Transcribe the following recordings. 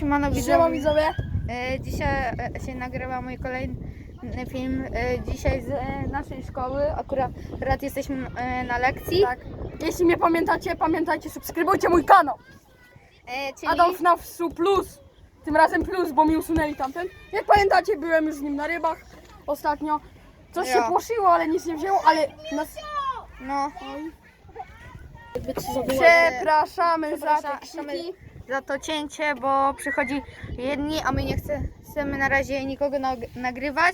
Siemano Siema widzowie. Dzisiaj się nagrywa mój kolejny film. Dzisiaj z naszej szkoły. Akurat jesteśmy na lekcji. Tak. Jeśli mnie pamiętacie, pamiętajcie, subskrybujcie mój kanał. Czyli Adolf Nawsu Plus. Tym razem plus, bo mi usunęli tamten. Jak pamiętacie, byłem już z nim na rybach ostatnio. Coś się płoszyło, ale nic nie wzięło, ale nas... no, Przepraszamy za te przepraszamy krzyki. za to cięcie, bo przychodzi jedni, a my nie chcemy na razie nikogo nagrywać.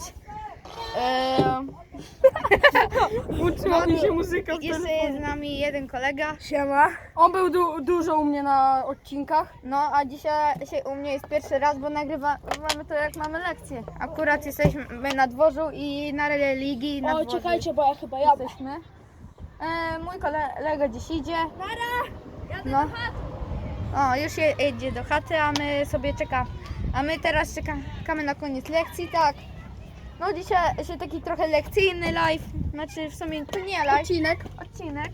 Uczyła mi się muzyka w Jeszcze telefonie. jest z nami jeden kolega. Siema. On był dużo u mnie na odcinkach. No, a dzisiaj u mnie jest pierwszy raz, bo nagrywamy to jak mamy lekcję. Akurat jesteśmy na dworzu i na religii. Na O, dworzu czekajcie, bo ja chyba jadę. jesteśmy. Mój kolega dziś idzie. No. O, już jedzie do chaty, a my sobie czekamy. A my teraz czekamy na koniec lekcji, tak. No dzisiaj się taki trochę lekcyjny live, znaczy w sumie to nie live. Odcinek.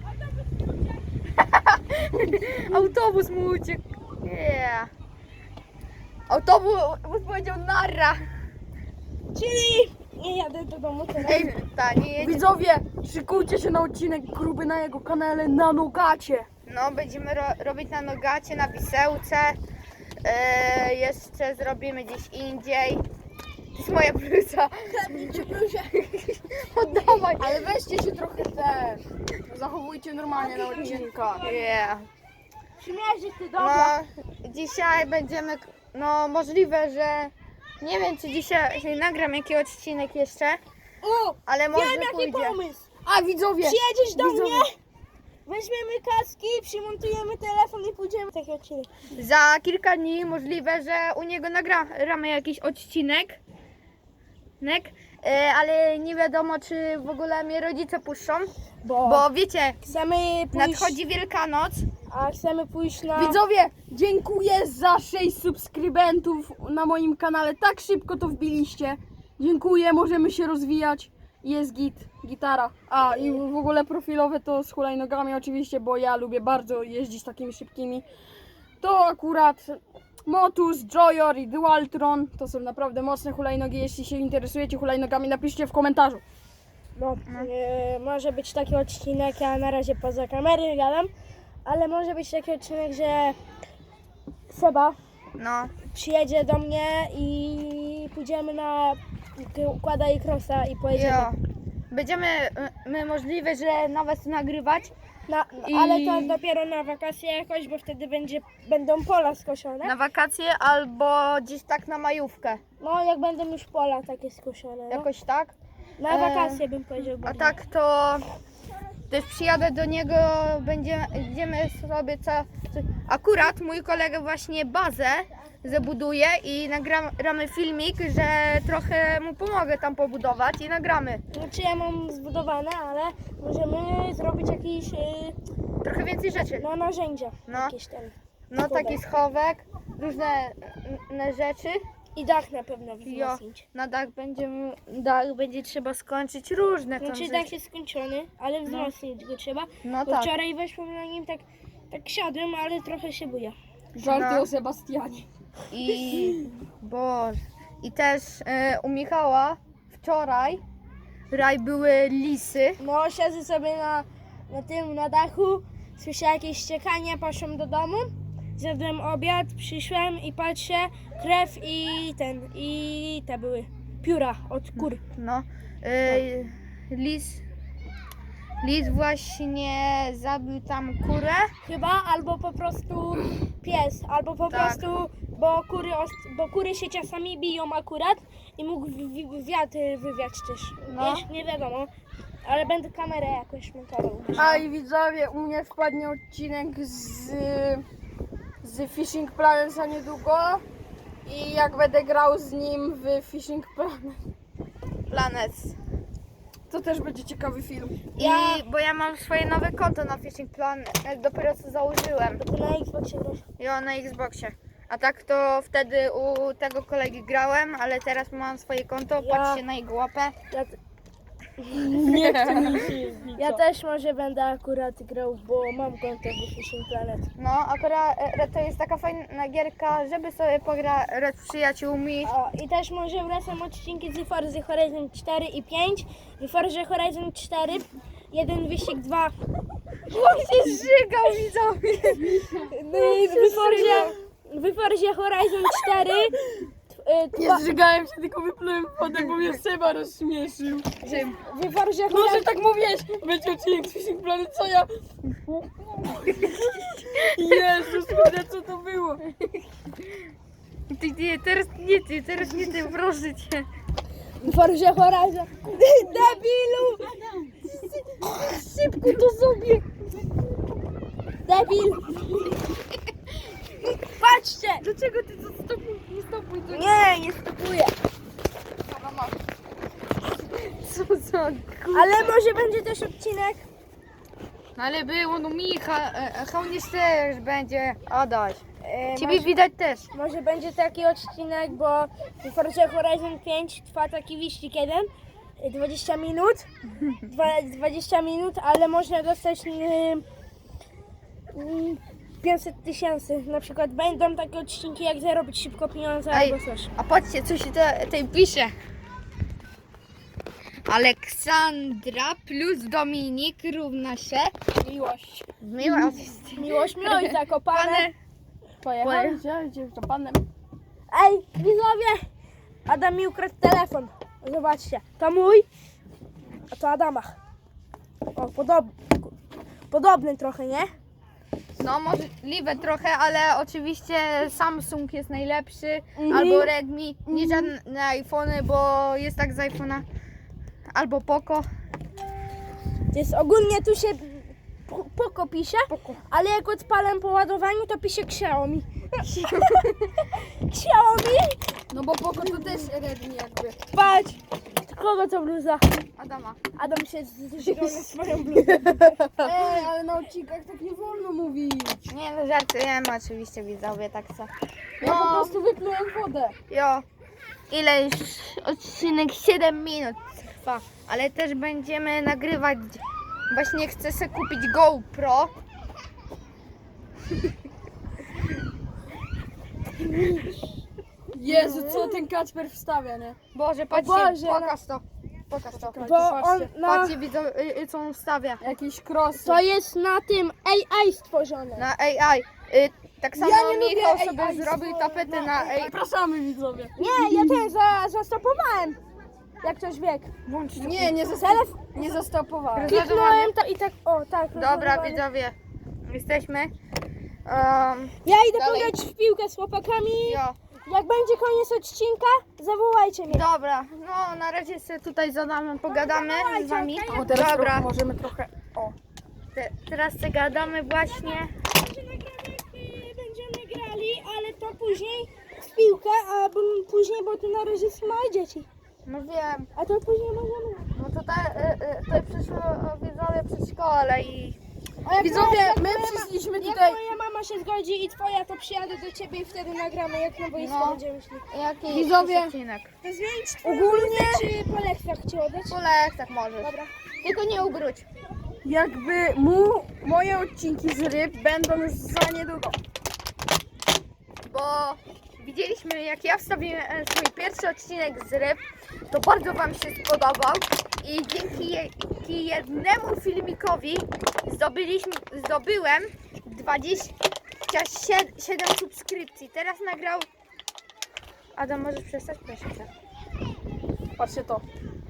Autobus mu uciekł. Yeah. Autobus powiedział narra. Czyli nie jadę do domu teraz. Ej, nie jedzie. Widzowie, szykujcie się na odcinek gruby na jego kanale na Nogacie. No, będziemy robić na Nogacie, na Wisełce. Jeszcze zrobimy gdzieś indziej. To jest moja bluza. Oddawaj. Ale weźcie się trochę też. Zachowujcie normalnie na odcinkach. Yeah. Przymierzy ty No, dzisiaj będziemy, no możliwe, że nie wiem, czy dzisiaj nagram jakiś odcinek jeszcze, O! ale może Wiem jaki pójdzie. pomysł! A widzowie! Przyjedziesz do Widzowie. mnie, weźmiemy kaski, przymontujemy telefon i pójdziemy taki odcinek. Za kilka dni możliwe, że u niego nagramy jakiś odcinek, ale nie wiadomo, czy w ogóle mnie rodzice puszczą, bo wiecie, Chcemy pójść, nadchodzi Wielkanoc. a chcemy pójść na... Widzowie, dziękuję za 6 subskrybentów na moim kanale. Tak szybko to wbiliście. Dziękuję, możemy się rozwijać. Jest gitara. A i w ogóle profilowe to z hulajnogami oczywiście, bo ja lubię bardzo jeździć takimi szybkimi. To akurat Motus, Joyor i Dualtron to są naprawdę mocne hulajnogi. Jeśli się interesujecie hulajnogami, napiszcie w komentarzu. No, może być taki odcinek, ja na razie poza kamery gadam, ale może być taki odcinek, że Seba No, przyjedzie do mnie i pójdziemy na układa i crossa i pojedziemy. jo. Będziemy my możliwe, że nawet nagrywać. Ale to dopiero na wakacje jakoś, bo wtedy będą pola skoszone. Na wakacje albo gdzieś tak na majówkę. No jak będą już pola takie skoszone. No. Jakoś tak. Na wakacje bym powiedział. A bardziej. tak to też przyjadę do niego, będziemy sobie akurat mój kolega właśnie bazę zabuduje i nagramy filmik, że trochę mu pomogę tam pobudować i nagramy. Znaczy ja mam zbudowane, ale możemy zrobić jakieś Trochę więcej rzeczy. narzędzia. No. Jakieś tam. No taki schowek, różne rzeczy. I dach na pewno Jo, wzmocnić. na dach będzie trzeba skończyć różne tam Znaczy rzeczy. dach jest skończony, ale wzmocnić go trzeba. No Bo tak. wczoraj weszłam na nim tak siadłem, ale trochę się buja. Żarty No. o Sebastianie. I też u Michała wczoraj były lisy. No siedzę sobie na dachu, słyszę jakieś ściekanie, poszłam do domu, zjadłem obiad, przyszłem i patrzę, krew i te były pióra od kur. No, lis właśnie zabił tam kurę. Chyba, albo po prostu pies, albo po Tak. prostu, bo kury się czasami biją akurat i mógł wiatr wywiać też. No. Nie wiadomo, ale będę kamerę jakoś montował. A i widzowie, u mnie wpadnie odcinek z Fishing Planet za niedługo. I jak będę grał z nim w Fishing Planet, to też będzie ciekawy film. Bo ja mam swoje nowe konto na Fishing Planet, dopiero co założyłem. To na Xboxie grasz. Ja na Xboxie. A tak to wtedy u tego kolegi grałem, ale teraz mam swoje konto, Ja- patrzcie na jego łapę. Nie chcę mi się jeździć. Ja też może będę akurat grał, bo mam konto w Fishing Planet. No, akurat to jest taka fajna gierka, żeby sobie pograć z przyjaciółmi. O, i też może wracam odcinki z Forza Horizon 4 i 5. W Forza Horizon 4, 1 wyścig 2. On się zżygał, widzowie. W Forzie Horizon 4 Nie zżygałem się, tylko wyplułem wodę, bo mnie Seba rozśmieszył. Czym? w Forzie No, że Horizon tak mówiłeś, będzie odcinek z Fishing Planet, co ja... Jezus, kurde, co to było? Teraz nie ty, proszę cię. W Forzie Horizon. Debilu! Szybko to sobie! Debil! Patrzcie! Dlaczego ty to stopuj? Nie stopuj to. Nie stopuję. Co za Ale może będzie też odcinek. No ale było, no Hołnierz też będzie. Adaś. Ciebie Może, widać też. może będzie taki odcinek, bo w Forza Horizon 5 trwa taki wyścig jeden. 20 minut. 20 minut, ale można dostać 500 000. Na przykład będą takie odcinki, jak zarobić szybko pieniądze Ej, albo coś. a patrzcie, co się tutaj pisze. Aleksandra plus Dominik równa się Miłość. miłość. Miłość zakopane. Pane. Pojechałem, gdzie to panem? Ej, widzowie! Adam mi ukradł telefon. Zobaczcie, to mój, a to Adama. O, podobny trochę, nie? No możliwe trochę, ale oczywiście Samsung jest najlepszy, Mhm. albo Redmi, nie żadne iPhony, bo jest tak z iPhone'a, albo Poco. Jest ogólnie tu się Poco pisze, ale jak odpalam po ładowaniu, to pisze Xiaomi. Xiaomi? No bo Poco to też Redmi jakby. Patrz! Kogo to bluza? Adama. Adam się zżygał na swoją bluzę. Ej, ale na odcinkach tak nie wolno mówić. Nie no, żartujemy oczywiście, widzowie, tak co. Ja po prostu wyplułem wodę. Jo, ile już odcinek 7 minut trwa, ale też będziemy nagrywać, właśnie chcę sobie kupić GoPro. Jezu, co ten Kacper wstawia, nie? Boże, patrzcie, Boże, pokaż to. Pokaż to. Bo on na, Patrzcie, widzą, co on wstawia Jakiś cross. to jest na tym AI stworzone. na AI. Tak samo Ja nie lubię Michał AI sobie zrobił tapetę na AI. Zapraszamy widzowie. Nie, ja ten zastopowałem. Jak ktoś wiek. Włącz to. Nie zastopowałem. Kliknąłem to i tak, o tak. Dobra, rozładowanie. widzowie, jesteśmy. Ja idę Dalej. pograć w piłkę z chłopakami. Jo. Jak będzie koniec odcinka, zawołajcie mnie. Dobra, no na razie sobie tutaj zadamy, pogadamy z wami. O, teraz Dobra, możemy trochę... O. teraz sobie gadamy właśnie. Będziemy grali, ale to później w piłkę, a później, bo tu na razie są małe dzieci. No wiem, A to później możemy. no tutaj przyszło widzowie przedszkole i A jak Widzowie, jak my moja przyszliśmy Jak tutaj... moja mama się zgodzi i twoja, to przyjadę do ciebie i wtedy nagramy, jak na boisko No. będziemy szli. jaki Widzowie. odcinek? To zmienić ogólnie czy po lekcjach ci oddać? Po lekcjach możesz. Dobra. Tylko nie ubróć. Jakby moje odcinki z ryb będą za niedługo. Bo widzieliśmy, jak ja wstawiłem swój pierwszy odcinek z ryb, to bardzo wam się spodobał i dzięki jednemu filmikowi zdobyłem 27 subskrypcji. Teraz nagrał... Adam, możesz przestać? Proszę cię. Patrzcie to.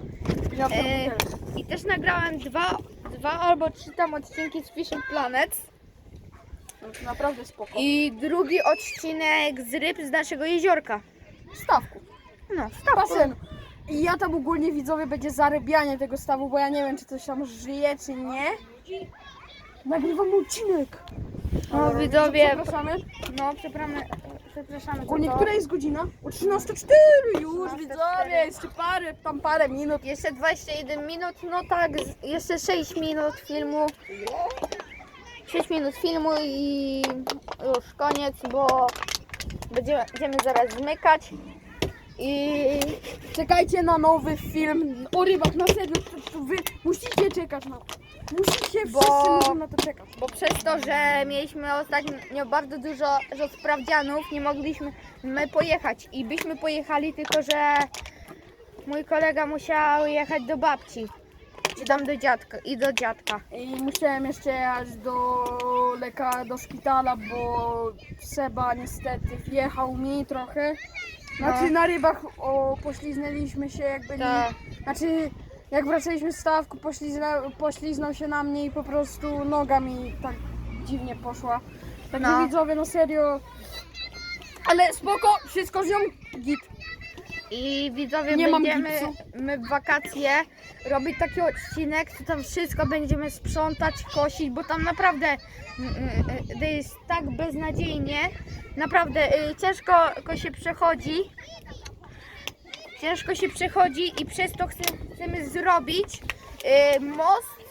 I też nagrałem dwa albo 3 tam odcinki z Fishing Planet. Naprawdę spoko. I drugi odcinek z ryb z naszego jeziorka. Stawku. No, Basen. I ja tam ogólnie widzowie będzie zarybianie tego stawu, bo ja nie wiem czy coś tam żyje czy nie. Nagrywam odcinek. No widzowie, Zapraszamy. no przepraszamy. Ogólnie za to. która jest godzina? O 13:04 już 13:04. widzowie, jeszcze parę minut. Jeszcze 21 minut, no tak, jeszcze 6 minut filmu. 6 minut filmu i już koniec, bo będziemy zaraz zmykać. I czekajcie na nowy film o rybach, na serio, to wy musicie czekać na to. Musicie, wszyscy muszą na to czekać. Bo przez to, że mieliśmy ostatnio bardzo dużo sprawdzianów, nie mogliśmy pojechać i byśmy pojechali, tylko że mój kolega musiał jechać do babci, czy tam do dziadka do dziadka. I musiałem jeszcze jechać do szpitala, bo Seba niestety wjechał mi trochę. Znaczy na rybach pośliznęliśmy się jak byli. Tak. Znaczy jak wracaliśmy z stawku, pośliznął się na mnie i po prostu noga mi tak dziwnie poszła. Także No. widzowie, no serio. Ale spoko, wszystko z nią git. I widzowie, Nie mam będziemy gipsu. my w wakacje robić taki odcinek, to tam wszystko będziemy sprzątać, kosić, bo tam naprawdę to jest tak beznadziejnie, naprawdę ciężko się przechodzi. Ciężko się przechodzi i przez to chcemy zrobić most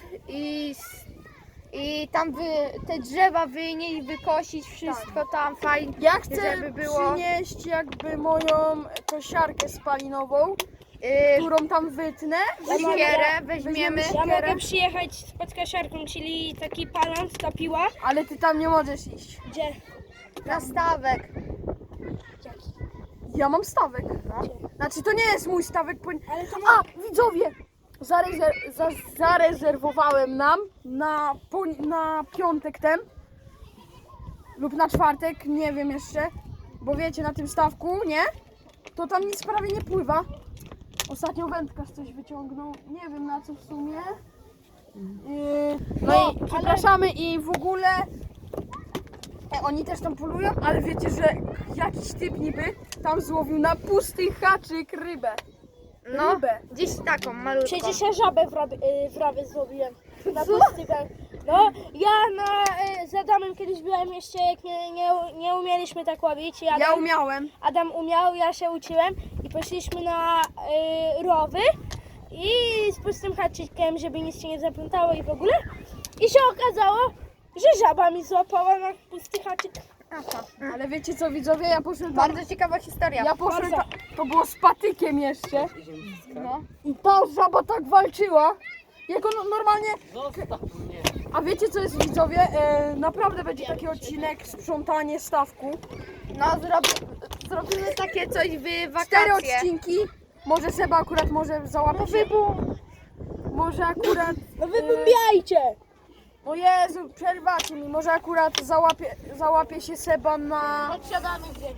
i tam te drzewa wynieść, wykosić, wszystko tam fajnie, Ja chcę żeby było. przynieść jakby moją kosiarkę spalinową, którą tam wytnę. Siekierę weźmiemy. Ja mogę przyjechać z podkasiarką, czyli taki palant, ta piła. Ale ty tam nie możesz iść. Gdzie? Na stawek. Ja mam stawek. Znaczy to nie jest mój stawek. Ale to A, widzowie! Zarezerwowałem nam na piątek ten lub na czwartek, nie wiem jeszcze, bo wiecie, na tym stawku, nie? To tam nic prawie nie pływa. Ostatnio wędkarz coś wyciągnął, nie wiem na co w sumie. No i przepraszamy i w ogóle oni też tam polują, ale wiecie, że jakiś typ niby tam złowił na pusty haczyk rybę. No, Rybę. gdzieś taką malutką. przecież ja żabę w rawie złowiłem. Na pustykę. No, ja z Adamem kiedyś byłem jeszcze, jak nie umieliśmy tak łowić. Ja umiałem. Adam umiał, ja się uczyłem i poszliśmy na rowy i z pustym haczykiem, żeby nic się nie zaplątało i w ogóle. I się okazało, że żaba mi złapała na pusty haczyk. Aha. Ale wiecie co, widzowie, ja poszedłem tam, Bardzo ciekawa historia. ja poszedłem tam, to było z patykiem jeszcze. No. I ta żaba tak walczyła, jak on normalnie... A wiecie co jest, widzowie? Naprawdę będzie taki odcinek sprzątanie stawku. No, zrobimy takie coś w 4 wakacje. odcinki. Może Seba akurat może załapie się... Może akurat... No wybumbiajcie! O Jezu, przerwacie mi. Może akurat załapie się Seba Odsiadamy gdzieś.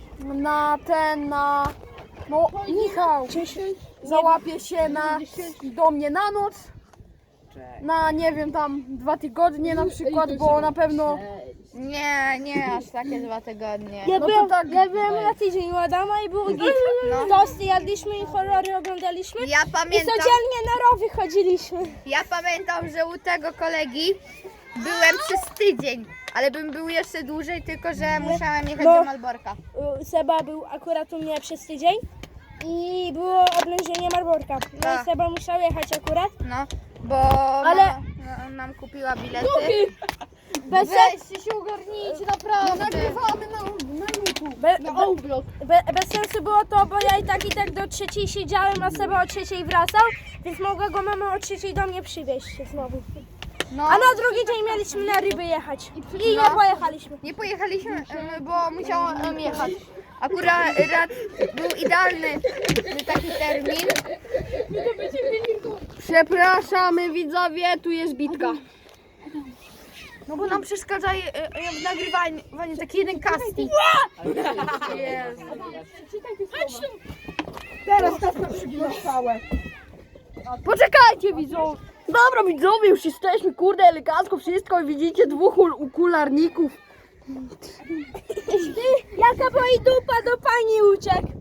No, Michał! Załapie się do mnie na noc. Na, nie wiem, tam 2 tygodnie na przykład, bo na pewno... Nie aż takie 2 tygodnie. Ja No to byłem, tak. ja byłem na tydzień u Adama i było git. No. Tosty jadliśmy i horrory oglądaliśmy. Ja I pamiętam, codziennie na rowy chodziliśmy. że u tego kolegi byłem przez tydzień, ale bym był jeszcze dłużej, tylko że musiałem jechać No. do Malborka. Seba był akurat u mnie przez tydzień i było oblężenie Marborka. No Tak. i Seba musiał jechać akurat. No, bo Ale- mama nam kupiła bilety. Bez, Weźcie się ogarnijcie, naprawdę. Nagrywamy na YouTube. bez sensu było to, bo ja i tak do 3 siedziałem, a Seba o 3 wracał, więc mogła go mama o 3 do mnie przywieźć znowu. No, A na drugi dzień mieliśmy na ryby jechać. I nie No. pojechaliśmy. nie pojechaliśmy, bo musiałam jechać. Akurat był idealny taki termin. Przepraszamy, widzowie, tu jest bitka. No bo nam przeszkadza w nagrywaniu taki jeden casting. Teraz to przygłaszałe. Poczekajcie, widzowie. Dobra, widzowie, już jesteśmy, kurde, elegancko wszystko i widzicie 2 okularników. Jaka boi dupa do pani uciekł.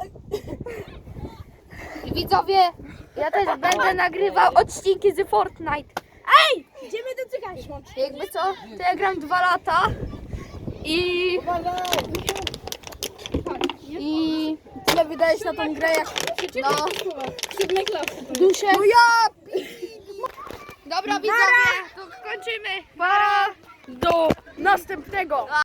I widzowie, ja też będę nagrywał odcinki z Fortnite. Ej! Idziemy do cygańskiej. Jakby co, to ja gram 2 lata i Tyle wydajesz na tą grę jak... no, Duszę. No ja... dobra widzowie, to kończymy. Para! Do następnego.